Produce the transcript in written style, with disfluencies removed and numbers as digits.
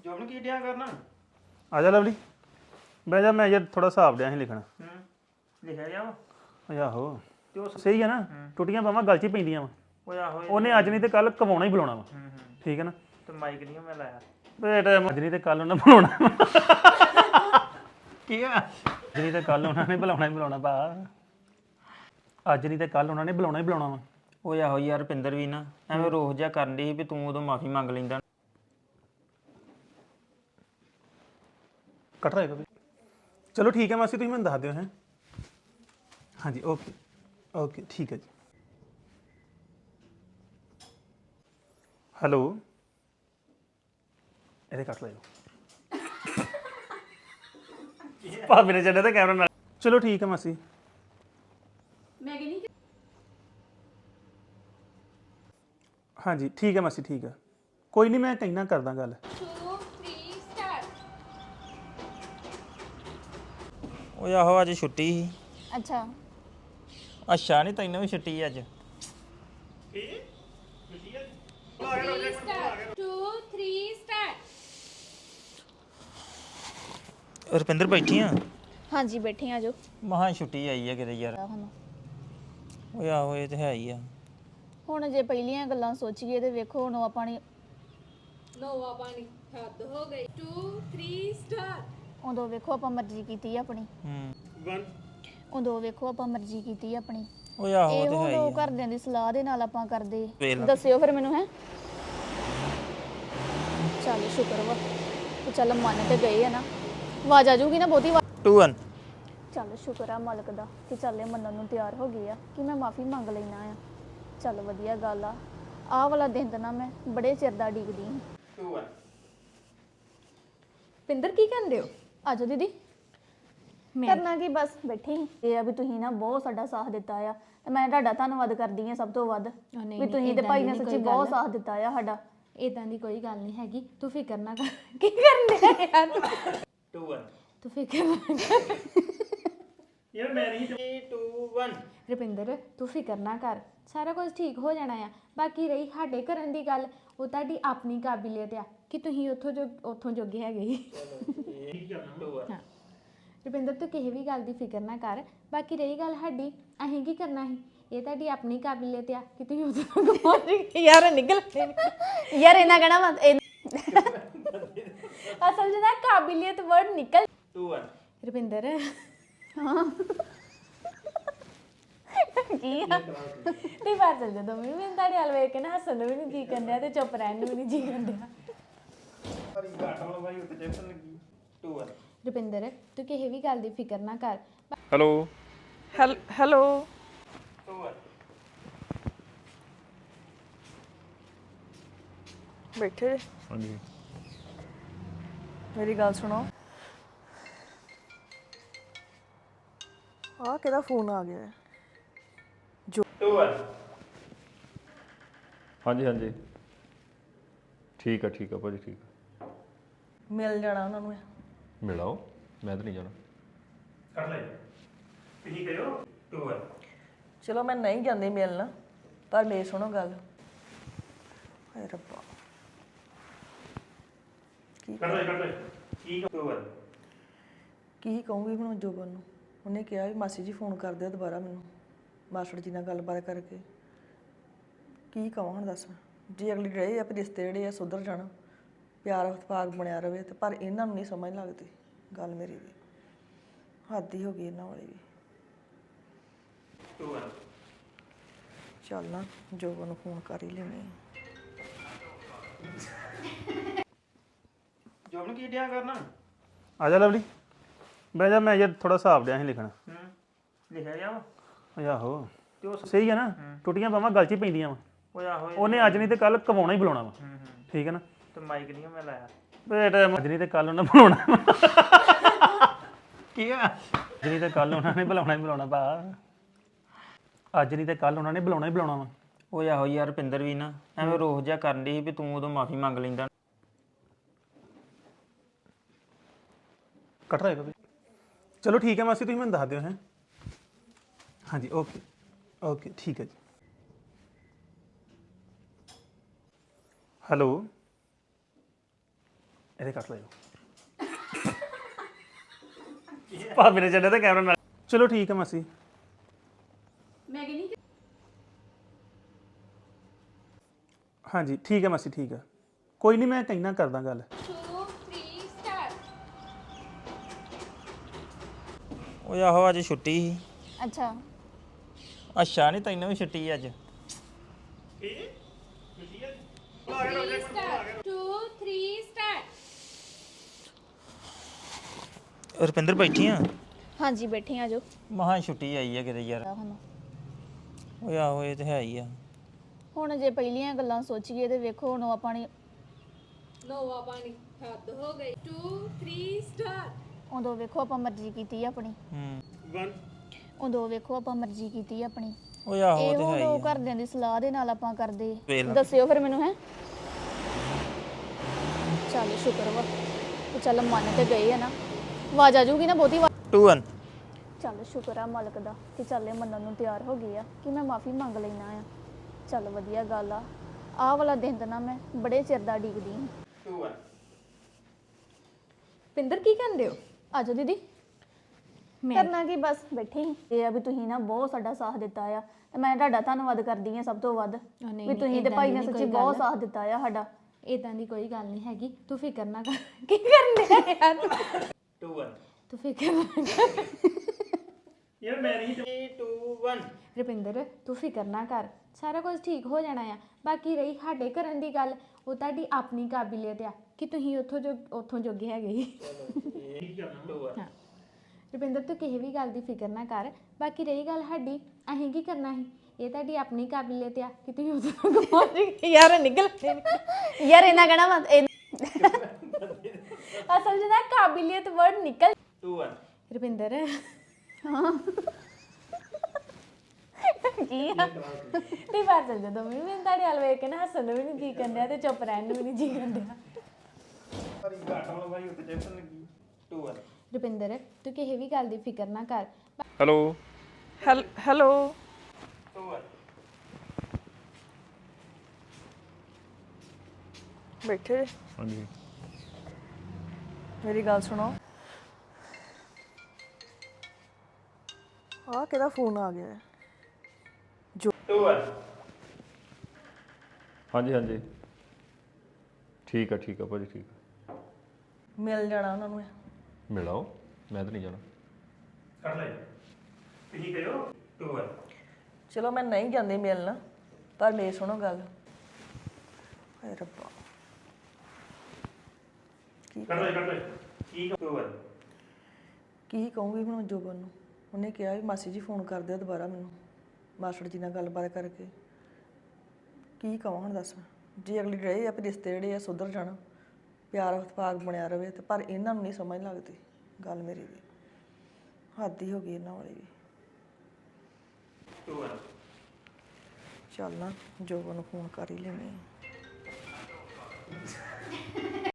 ਜੋਬਨ ਕੀ ਡਿਆ ਕਰਨਾ ਆ ਜਾ ਲਵਲੀ ਬਹਿ ਜਾ ਮੈਂ ਯਾਰ ਥੋੜਾ ਹਿਸਾਬ ਡਿਆ ਸੀ ਲਿਖਣਾ ਲਿਖਿਆ ਗਿਆ ਵਾ ਓਏ ਆਹੋ ਤੇ ਉਹ ਸਹੀ ਆ ਨਾ ਟੁੱਟੀਆਂ ਬਾਵਾਂ ਗਲ 'ਚ ਹੀ ਪੈਂਦੀਆਂ ਵਾ ਓਏ ਆਹੋ ਉਹਨੇ ਅੱਜ ਨਹੀਂ ਤੇ ਕੱਲ ਕਵਾਉਣਾ ਹੀ ਬੁਲਾਉਣਾ ਵਾ ਠੀਕ ਹੈ ਨਾ ਤੇ ਮਾਈਕ ਨਹੀਂ ਮੈਂ ਲਾਇਆ ਬੇਟਾ ਅੱਜ ਨਹੀਂ ਤੇ ਕੱਲ ਉਹਨੇ ਬੁਲਾਉਣਾ ਕੀ ਆ ਅੱਜ ਨਹੀਂ ਤੇ ਕੱਲ ਉਹਨਾਂ ਨੇ ਬੁਲਾਉਣਾ ਹੀ ਬੁਲਾਉਣਾ ਭਾ ਅੱਜ ਨਹੀਂ ਤੇ ਕੱਲ ਉਹਨਾਂ ਨੇ ਬੁਲਾਉਣਾ ਹੀ ਬੁਲਾਉਣਾ ਵਾ ਓਏ ਆਹੋ ਯਾਰ ਰੁਪਿੰਦਰ ਵੀ ਨਾ ਐਵੇਂ ਰੋਹ ਜਿਹਾ ਕਰਨ ਦੀ ਸੀ ਵੀ ਤੂੰ ਉਦੋਂ ਮਾਫੀ ਮੰਗ ਲੈਂਦਾ ਕੱਟ ਰਹੇਗਾ ਵੀ ਚਲੋ ਠੀਕ ਹੈ ਮਾਸੀ ਤੁਸੀਂ ਮੈਨੂੰ ਦੱਸ ਦਿਓ ਹੈ ਹਾਂਜੀ ਓਕੇ ਓਕੇ ਠੀਕ ਹੈ ਜੀ ਹੈਲੋ ਇਹਦੇ ਕੱਟ ਲਿਓ ਭਾਬੀ ਨੇ ਚੱਲਿਆ ਤਾਂ ਕੈਮਰਾ ਨਾਲ ਚਲੋ ਠੀਕ ਹੈ ਮਾਸੀ ਮੈਂ ਕਹਿੰਦੀ ਹਾਂਜੀ ਠੀਕ ਹੈ ਮਾਸੀ ਠੀਕ ਹੈ ਕੋਈ ਨਹੀਂ ਮੈਂ ਕਹਿਣਾ ਕਰਦਾ ਗੱਲ 2 3 ਸਟਾਰਟ ਓਏ ਆਹੋ ਅੱਜ ਛੁੱਟੀ ਸੀ ਅੱਛਾ ਅੱਛਾ ਨਹੀਂ ਤੈਨੂੰ ਵੀ ਛੁੱਟੀ ਅੱਜ 2 3 ਸਟਾਰਟ ਰੁਪਿੰਦਰ ਬੈਠੀ ਆ ਹਾਂਜੀ ਬੈਠੇ ਆ ਜੋ ਮਹਾ ਛੁੱਟੀ ਆਈ ਆ ਕਿਤੇ ਯਾਰ ਓਏ ਆਹੋ ਇਹ ਤੇ ਹੈ ਹੀ ਆ ਹੁਣ ਜੇ ਪਹਿਲੀਆਂ ਗੱਲਾਂ ਸੋਚੀਏ ਤੇ ਵੇਖੋ ਹੁਣ ਆਪਾਂ ਨੇ ਨੋਵਾ ਪਾਣੀ ਹੱਦ ਹੋ ਗਈ 2 3 ਸਟਾਰਟ ਉਦੋਂ ਵੇਖੋ ਆਪਾਂ ਮਰਜ਼ੀ ਕੀਤੀ ਆਪਣੀ 1 ਉਦੋਂ ਵੇਖੋ ਆਪਾਂ ਮਰਜ਼ੀ ਕੀਤੀ ਆਪਣੀ ਓਏ ਆਹੋ ਇਹ ਤੇ ਹੈ ਹੁਣ ਹੀ ਉਹ ਆ ਘਰਦਿਆਂ ਦੀ ਸਲਾਹ ਦੇ ਨਾਲ ਆਪਾਂ ਕਰਦੇ ਵੇਖ ਲਾ। ਦੱਸਿਓ ਫਿਰ ਮੈਨੂੰ ਹੈ ਚੱਲ ਸ਼ੁਕਰ ਵਾ ਤੇ ਚੱਲ ਮੰਨ ਤੇ ਗਏ ਆ ਨਾ ਆਵਾਜ਼ ਆ ਜਾਊਗੀ ਨਾ ਬਹੁਤੀ 2 1 ਚੱਲ ਸ਼ੁਕਰ ਆ ਮਾਲਕ ਦਾ ਕਿ ਚੱਲ ਇਹ ਮੰਨਣ ਨੂੰ ਤਿਆਰ ਹੋ ਗਏ ਆ ਕਿ ਮੈਂ ਮਾਫੀ ਮੰਗ ਲੈਣਾ ਆ ਚੱਲ ਵਧੀਆ ਗੱਲ ਆ ਆਹ ਵਾਲਾ ਦਿਨ ਤਾਂ ਨਾ ਮੈਂ ਬੜੇ ਚਿਰ ਦਾ ਉਡੀਕਦੀ ਹਾਂ 2 1 ਪਿੰਦਰ ਕੀ ਕਹਿੰਦੇ ਹੋ ਆਜੋ ਦੀਦੀ ਕਰਨਾ ਕੀ ਬਸ ਬੈਠੀ ਸੀ ਇਹ ਆ ਵੀ ਤੁਸੀਂ ਨਾ ਬਹੁਤ ਸਾਡਾ ਸਾਥ ਦਿੱਤਾ ਆ ਤੇ ਮੈਂ ਤੁਹਾਡਾ ਧੰਨਵਾਦ ਕਰਦੀ ਆ ਸਭ ਤੋਂ ਵੱਧ ਵੀ ਤੁਸੀਂ ਤੇ ਭਾਈ ਨੇ ਸੱਚੀ ਬਹੁਤ ਸਾਥ ਦਿੱਤਾ ਆ ਸਾਡਾ ਇਦਾਂ ਦੀ ਕੋਈ ਗੱਲ ਨਹੀਂ ਹੈਗੀ ਤੂੰ ਫਿਕਰ ਨਾ ਕਰ ਕੀ ਕਰਨੇ ਆ ਯਾਰ 2 1 ਤੂੰ ਫਿਕਰ ਨਾ ਕਰ ਯਾਰ ਮੈਂ ਨਹੀਂ 2 1 ਰੁਪਿੰਦਰ ਤੂੰ ਫਿਕਰ ਨਾ ਕਰ ਸਾਰਾ ਕੁਝ ਠੀਕ ਹੋ ਜਾਣਾ ਆ ਬਾਕੀ ਰਹੀ ਸਾਡੇ ਕਰਨ ਦੀ ਗੱਲ ਉਹ ਤੁਹਾਡੀ ਆਪਣੀ ਕਾਬਲੀਅਤ ਆ ਕਿ ਤੁਸੀਂ ਉੱਥੋਂ ਜੋਗੇ ਹੈਗੇ ਸੀ ਹਾਂ ਰੁਪਿੰਦਰ ਤੂੰ ਕਿਸੇ ਵੀ ਗੱਲ ਦੀ ਫਿਕਰ ਨਾ ਕਰ ਬਾਕੀ ਰਹੀ ਗੱਲ ਸਾਡੀ ਅਸੀਂ ਕੀ ਕਰਨਾ ਸੀ ਇਹ ਤੁਹਾਡੀ ਆਪਣੀ ਕਾਬਲੀਅਤ ਆ ਕਿ ਤੁਸੀਂ ਉੱਥੋਂ ਤੱਕ ਪਹੁੰਚ ਗਏ ਯਾਰ ਨਿਕਲ ਯਾਰ ਇਹਨਾਂ ਕਹਿਣਾ ਵਾ ਅਸਲ 'ਚ ਨਾ ਕਾਬਲੀਅਤ ਵਰਡ ਨਿਕਲ 2 1 ਰੁਪਿੰਦਰ ਕੀ ਆ ਨਹੀਂ ਬਾਤ ਚੱਲ ਜਦੋਂ ਮੈਂ ਤੁਹਾਡੇ ਹਾਲ ਵੇਖ ਕੇ ਨਾ ਹੱਸਣ ਨੂੰ ਵੀ ਨਹੀਂ ਜੀ ਕਰਦਾ ਤੇ ਚੁੱਪ ਰਹਿਣ ਨੂੰ ਵੀ ਨਹੀਂ ਜੀ ਕਰਦਾ ਰੁਪਿੰਦਰ ਤੂੰ ਕਿਸੇ ਵੀ ਗੱਲ ਦੀ ਫਿਕਰ ਨਾ ਕਰ ਹੈਲੋ ਹੈਲੋ ਬੈਠੇ ਜੇ? ਹਾਂਜੀ ਮੇਰੀ ਗੱਲ ਸੁਣੋ ਆ ਕਿਹਦਾ ਫੋਨ ਆ ਗਿਆ ਹੈ? 2 1 ਹਾਂਜੀ ਹਾਂਜੀ ਠੀਕ ਆ ਭਾਜੀ ਠੀਕ ਆ ਮਿਲ ਜਾਣਾ ਉਹਨਾਂ ਨੂੰ ਮਿਲਾਓ ਮੈਂ ਤਾਂ ਨਹੀਂ ਜਾਣਾ ਕੱਟ ਲੈ ਤੁਸੀਂ ਕਰਿਓ 2 1 ਚਲੋ ਮੈਂ ਨਹੀਂ ਜਾਂਦੀ ਮਿਲਣ ਪਰ ਮੇਰੀ ਸੁਣੋ ਗੱਲ ਹਾਏ ਰੱਬਾ ਕੱਟ ਲੈ ਠੀਕ 2 1 ਕੀ ਕਹੂੰਗੀ ਹੁਣ ਜੋਬਨ ਨੂੰ ਉਹਨੇ ਕਿਹਾ ਵੀ ਮਾਸੀ ਜੀ ਫੋਨ ਕਰ ਦਿਓ ਦੁਬਾਰਾ ਮੈਨੂੰ ਮਾਸਟਰ ਜੀ ਨਾਲ ਗੱਲਬਾਤ ਕਰਕੇ ਕੀ ਕਹਾਂ ਹੁਣ ਦੱਸ ਜੇ ਅਗਲੀ ਰਹੇ ਆ ਵੀ ਰਿਸ਼ਤੇ ਜਿਹੜੇ ਆ ਸੁਧਰ ਜਾਣ ਪਿਆਰ ਇਤਫਾਕ ਬਣਿਆ ਰਵੇ ਤੇ ਪਰ ਇਹਨਾਂ ਨੂੰ ਨਹੀਂ ਸਮਝ ਲੱਗਦੀ ਗੱਲ ਮੇਰੀ ਵੀ ਹੱਦ ਹੀ ਹੋ ਗਈ ਇਹਨਾਂ ਵਾਲੀ ਵੀ 2 1 ਚੱਲ ਨਾ ਜੋਬਨ ਨੂੰ ਫੋਨ ਕਰ ਹੀ ਲੈਣੇ ਜੋਬਨ ਕੀ ਡਿਆ ਕਰਨਾ ਆ ਜਾ ਲਵਲੀ ਬਹਿ ਜਾ ਮੈਂ ਯਾਰ ਥੋੜਾ ਹਿਸਾਬ ਡਿਆ ਸੀ ਲਿਖਣਾ ਲਿਖਿਆ ਗਿਆ ਵਾ ਓਏ ਆਹੋ ਤੇ ਉਹ ਸਹੀ ਆ ਨਾ ਟੁੱਟੀਆਂ ਬਾਵਾਂ ਗਲ 'ਚ ਹੀ ਪੈਂਦੀਆਂ ਵਾ ਓਏ ਆਹੋ ਉਹਨੇ ਅੱਜ ਨਹੀਂ ਤੇ ਕੱਲ ਕਵਾਉਣਾ ਹੀ ਬੁਲਾਉਣਾ ਵਾ ਠੀਕ ਹੈ ਨਾ ਤੇ ਮਾਈਕ ਨਹੀਂ ਮੈਂ ਲਾਇਆ ਬੇਟਾ ਅੱਜ ਨਹੀਂ ਤੇ ਕੱਲ ਉਹਨੇ ਬੁਲਾਉਣਾ ਕੀ ਆ ਅੱਜ ਨਹੀਂ ਤੇ ਕੱਲ ਉਹਨਾਂ ਨੇ ਬੁਲਾਉਣਾ ਹੀ ਬੁਲਾਉਣਾ ਭਾ ਅੱਜ ਨਹੀਂ ਤੇ ਕੱਲ ਉਹਨਾਂ ਨੇ ਬੁਲਾਉਣਾ ਹੀ ਬੁਲਾਉਣਾ ਵਾ ਓਏ ਆਹੋ ਯਾਰ ਰੁਪਿੰਦਰ ਵੀ ਨਾ ਐਵੇਂ ਰੋਹ ਜਿਹਾ ਕਰਨ ਦੀ ਸੀ ਵੀ ਤੂੰ ਉਦੋਂ ਮਾਫੀ ਮੰਗ ਲੈਂਦਾ ਕੱਟ ਰਹੇਗਾ ਵੀ ਚਲੋ ਠੀਕ ਹੈ ਮਾਸੀ ਤੁਸੀਂ ਮੈਨੂੰ ਦੱਸ ਦਿਓ ਹੈ ਹਾਂਜੀ ਓਕੇ ਓਕੇ ਠੀਕ ਹੈ ਜੀ ਹੈਲੋ ਇਹਦੇ ਕੱਟ ਲਿਓ ਭਾਬੀ ਨੇ ਚੱਲਿਆ ਤਾਂ ਕੈਮਰਾ ਨਾਲ ਚਲੋ ਠੀਕ ਹੈ ਮਾਸੀ ਹਾਂਜੀ ਠੀਕ ਹੈ ਮਾਸੀ ਠੀਕ ਹੈ ਕੋਈ ਨਹੀਂ ਮੈਂ ਕਹਿਣਾ ਕਰਦਾ ਗੱਲ ਓਏ ਆਹੋ ਅੱਜ ਛੁੱਟੀ ਸੀ ਅੱਛਾ ਅੱਛਾ ਨਹੀਂ ਤੈਨੂੰ ਵੀ ਛੁੱਟੀ ਅੱਜ 2 3 ਸਟਾਰਟ ਰੁਪਿੰਦਰ ਬੈਠੀ ਆ ਹਾਂਜੀ ਬੈਠੇ ਆ ਜੋ ਮਹਾ ਛੁੱਟੀ ਆਈ ਆ ਕਿਤੇ ਯਾਰ ਹੁਣ ਓਏ ਆਹੋ ਇਹ ਤੇ ਹੈ ਹੀ ਆ ਹੁਣ ਜੇ ਪਹਿਲੀਆਂ ਗੱਲਾਂ ਸੋਚੀਏ ਤੇ ਵੇਖੋ ਹੁਣ ਆਪਾਂ ਨੇ ਨੋਵਾ ਪਾਣੀ ਹੱਦ ਹੋ ਗਈ 2 3 ਸਟਾਰਟ ਉਦੋਂ ਵੇਖੋ ਆਪਾਂ ਮਰਜ਼ੀ ਕੀਤੀ ਆਪਣੀ ਹੂੰ ਉਦੋਂ ਵੇਖੋ ਆਪਾਂ ਮਰਜ਼ੀ ਕੀਤੀ ਆਪਣੀ ਓਏ ਆਹੋ ਇਹ ਇਹ ਤੇ ਹੈ ਹੁਣ ਹੀ ਉਹ ਆ ਘਰਦਿਆਂ ਦੀ ਸਲਾਹ ਦੇ ਨਾਲ ਆਪਾਂ ਕਰਦੇ ਵੇਖ ਲਾ। ਦੱਸਿਓ ਫਿਰ ਮੈਨੂੰ ਹੈ ਚੱਲ ਸ਼ੁਕਰ ਵਾ ਤੇ ਚੱਲ ਮੰਨ ਤੇ ਗਏ ਆ ਨਾ ਆਵਾਜ਼ ਆ ਜੂਗੀ ਨਾ ਬਹੁਤੀ 2 1 ਚੱਲ ਸ਼ੁਕਰ ਆ ਮਾਲਕ ਦਾ ਕਿ ਚੱਲ ਇਹ ਮੰਨਣ ਨੂੰ ਤਿਆਰ ਹੋ ਗਏ ਆ ਕਿ ਮੈਂ ਮਾਫੀ ਮੰਗ ਲੈਣਾ ਆ ਚੱਲ ਵਧੀਆ ਗੱਲ ਆ ਆਹ ਵਾਲਾ ਦਿਨ ਤਾਂ ਨਾ ਮੈਂ ਬੜੇ ਚਿਰ ਦਾ ਉਡੀਕਦੀ ਹਾਂ 2 1 ਪਿੰਦਰ ਕੀ ਕਹਿੰਦੇ ਹੋ ਆਜੋ ਦੀਦੀ ਕਰਨਾ ਕੀ ਬਸ ਬੈਠੇ ਹੀ ਇਹ ਆ ਵੀ ਤੁਸੀਂ ਨਾ ਬਹੁਤ ਸਾਡਾ ਸਾਥ ਦਿੱਤਾ ਆ ਤੇ ਮੈਂ ਤੁਹਾਡਾ ਧੰਨਵਾਦ ਕਰਦੀ ਆ ਸਭ ਤੋਂ ਵੱਧ ਵੀ ਤੁਸੀਂ ਤੇ ਭਾਈ ਨੇ ਸੱਚੀ ਬਹੁਤ ਸਾਥ ਦਿੱਤਾ ਆ ਸਾਡਾ ਇਦਾਂ ਦੀ ਕੋਈ ਗੱਲ ਨਹੀਂ ਹੈਗੀ ਤੂੰ ਫਿਕਰ ਨਾ ਕਰ ਕੀ ਕਰਨੇ ਆ ਯਾਰ 2 1 ਤੂੰ ਫਿਕਰ ਨਾ ਕਰ ਯਾਰ ਮੈਂ ਨਹੀਂ 2 1 ਰੁਪਿੰਦਰ ਤੂੰ ਫਿਕਰ ਨਾ ਕਰ ਸਾਰਾ ਕੁਝ ਠੀਕ ਹੋ ਜਾਣਾ ਆ ਬਾਕੀ ਰਹੀ ਸਾਡੇ ਕਰਨ ਦੀ ਗੱਲ ਉਹ ਤੁਹਾਡੀ ਆਪਣੀ ਕਾਬਲੀਅਤ ਆ ਕਿ ਤੁਸੀਂ ਉੱਥੋਂ ਜੋਗੇ ਹੈਗੇ ਹੀ ਹਾਂ ਰੁਪਿੰਦਰ ਤੂੰ ਕਿਸੇ ਵੀ ਗੱਲ ਦੀ ਫਿਕਰ ਨਾ ਕਰ ਬਾਕੀ ਰਹੀ ਗੱਲ ਸਾਡੀ ਅਸੀਂ ਕੀ ਕਰਨਾ ਸੀ ਇਹ ਤੁਹਾਡੀ ਆਪਣੀ ਕਾਬਲੀਅਤ ਆ ਕਿ ਤੁਸੀਂ ਉੱਥੋਂ ਤੱਕ ਪਹੁੰਚ ਗਏ ਯਾਰ ਨਿਕਲ ਯਾਰ ਇਹਨਾਂ ਕਹਿਣਾ ਵਾ ਅਸਲ 'ਚ ਨਾ ਕਾਬਲੀਅਤ ਵਰਡ ਨਿਕਲ 2 1 ਰੁਪਿੰਦਰ ਕੀ ਆ ਤੇ ਬਾਤ ਚੱਲ ਜਦੋਂ ਮੈਂ ਤੁਹਾਡੇ ਹਾਲ ਵੇਖ ਕੇ ਨਾ ਹੱਸਣ ਨੂੰ ਵੀ ਨਹੀਂ ਜੀ ਕਰਦਾ ਤੇ ਚੁੱਪ ਰਹਿਣ ਨੂੰ ਵੀ ਨਹੀਂ ਜੀ ਕਰਦਾ ਰੁਪਿੰਦਰ ਤੂੰ ਕਿਸੇ ਵੀ ਗੱਲ ਦੀ ਫਿਕਰ ਨਾ ਕਰ ਹੈਲੋ ਹੈਲੋ ਬੈਠੇ ਜੇ? ਹਾਂਜੀ ਮੇਰੀ ਗੱਲ ਸੁਣੋ ਆ ਕਿਹਦਾ ਫੋਨ ਆ ਗਿਆ ਹੈ? 2 1 ਹਾਂਜੀ ਹਾਂਜੀ ਠੀਕ ਆ ਭਾਜੀ ਠੀਕ ਆ ਮਿਲ ਜਾਣਾ ਉਹਨਾਂ ਨੂੰ ਮਿਲਾਓ ਮੈਂ ਤਾਂ ਨਹੀਂ ਜਾਣਾ ਕੱਟ ਲੈ ਤੁਸੀਂ ਕਹਿਓ 2 1 ਚਲੋ ਮੈਂ ਨਹੀਂ ਜਾਂਦੀ ਮਿਲਣ ਪਰ ਮੇਰੀ ਸੁਣੋ ਗੱਲ ਹਾਏ ਰੱਬਾ ਕੱਟ ਲੈ ਕੀ 2 1 ਕੀ ਕਹੂੰਗੀ ਹੁਣ ਜੋਬਨ ਨੂੰ ਉਹਨੇ ਕਿਹਾ ਵੀ ਮਾਸੀ ਜੀ ਫੋਨ ਕਰ ਦਿਓ ਦੁਬਾਰਾ ਮੈਨੂੰ ਮਾਸਟਰ ਜੀ ਨਾਲ ਗੱਲਬਾਤ ਕਰਕੇ ਕੀ ਕਹਾਂ ਹੁਣ ਦੱਸ ਜੇ ਅਗਲੀ ਰਹੇ ਆ ਵੀ ਰਿਸ਼ਤੇ ਜਿਹੜੇ ਆ ਸੁਧਰ ਜਾਣ ਪਿਆਰ ਇਤਫਾਕ ਬਣਿਆ ਰਵੇ ਤੇ ਪਰ ਇਹਨਾਂ ਨੂੰ ਨਹੀਂ ਸਮਝ ਲੱਗਦੀ ਗੱਲ ਮੇਰੀ ਵੀ ਹੱਦ ਹੀ ਹੋ ਗਈ ਇਹਨਾਂ ਵਾਲੀ ਵੀ 2 1 ਚੱਲ ਨਾ ਜੋਬਨ ਨੂੰ ਫੋਨ ਕਰ ਹੀ ਲੈਣੀ